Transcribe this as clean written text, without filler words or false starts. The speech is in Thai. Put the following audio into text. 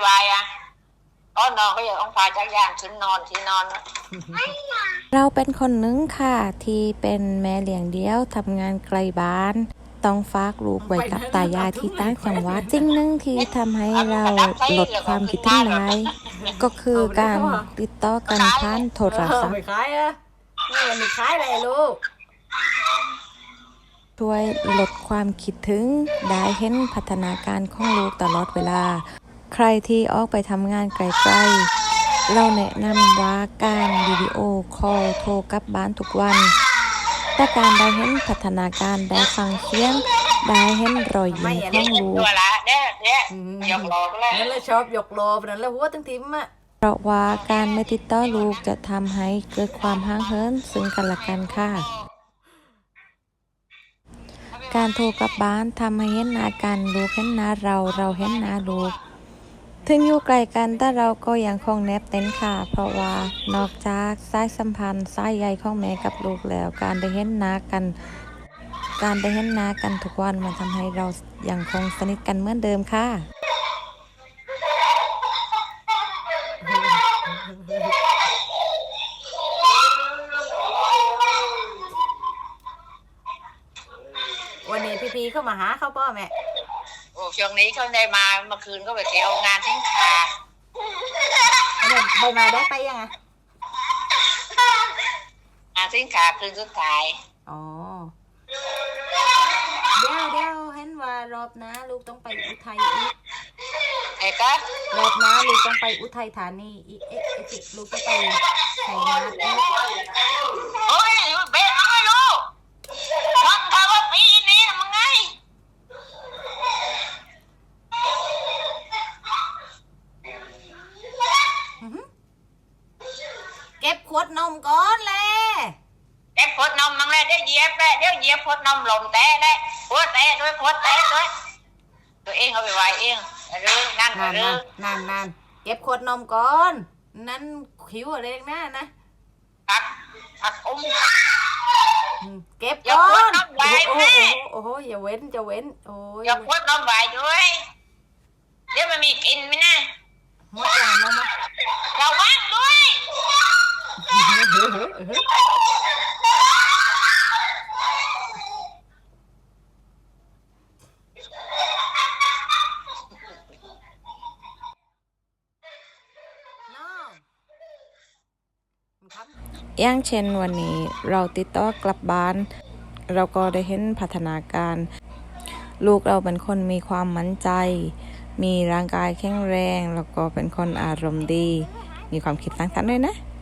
วายอ่ะตอนนอนก็อย่าต้องพาจักรยานขึ้นนอนที่นอนเราเป็นคนหนึงค่ะที่เป็นแม่เลี้ยงเดี่ยวทำงานไกลบ้านต้องฝากลูกไว้กับตายายที่ต่างจังหวัดสิ่งหนึ่งที่ทำให้เราลดความคิดถึงได้ก็คือการติดต่อกันผ่านโทรศัพท์ไม่ขายอ่ะไม่ขายเลยลูกช่วยลดความคิดถึงได้เห็นพัฒนาการของลูกตลอดเวลาใครที่ออกไปทำงานไกลๆเราแนะนำว่าการวิดีโอคอลโทรกลับบ้านทุกวันแต่การได้เห็นพัฒนาการได้ฟังเสียงได้เห็นรอยยิ้มของลูกตัวละเนี่ยยกโลก็เลยนั่นแหละชอบยกโลนั่นแหละหัวตั้งทิมอ่ะเพราะว่าการไม่ติดต่อลูกจะทำให้เกิดความห่างเหินซึ่งกันและกันค่ะการโทรกลับบ้านทำให้เห็นหน้ากันลูกเห็นหน้าเราเห็นหน้าลูกถึงอยู่ไกลกันแต่เราก็ยังคงแนบแน่นค่ะเพราะว่านอกจากสายสัมพันธ์สายใยของแม่กับลูกแล้วการได้เห็นหน้ากันทุกวันมันทำให้เรายังคงสนิทกันเหมือนเดิมค่ะวันนี้พี่เข้ามาหาเขาป่ะแม่โอ้ช่วงนี้เขาได้มาเมื่อคืนก็ไปเที่ยวงานทิ้งขาใบมาได้ไปยังไงงานทิ้งขาคืนสุดท้ายอ๋อเดี๋ยวเห็นว่ารอบหน้าลูกต้องไปอุทัยอีกไอ้ก็รอบหน้าลูกต้องไปอุทัยธานีอีกลูกต้องไปชัยนาทอีกโอ้ยเบ๊ะไม่รู้ฟังเขาว่าปีนี้มันไงเก็บขวดนมก่อนเลยเก็บขวดนมมันเลยเดี๋ยวเหยียบขวดนมหล่มแตะเลยขวดแตะด้วยตัวเองเอาไปไว้เองเรื่องนั่นเรื่องนานเก็บขวดนมก่อนนั่นขิวอะไรนะผักเก็บก่อนโอ้โหอย่าเว้นโอ้ยอย่าขวดนมไว้ด้วยเดี๋ยวมันมีกินไหมนะหมดอย่างนมระวังด้วยอย่างเช่นวันนี้เราติดต่อกลับบ้านเราก็ได้เห็นพัฒนาการลูกเราเป็นคนมีความมั่นใจมีร่างกายแข็งแรงแล้วก็เป็นคนอารมณ์ดีมีความคิดสร้างสรรค์ด้วยนะ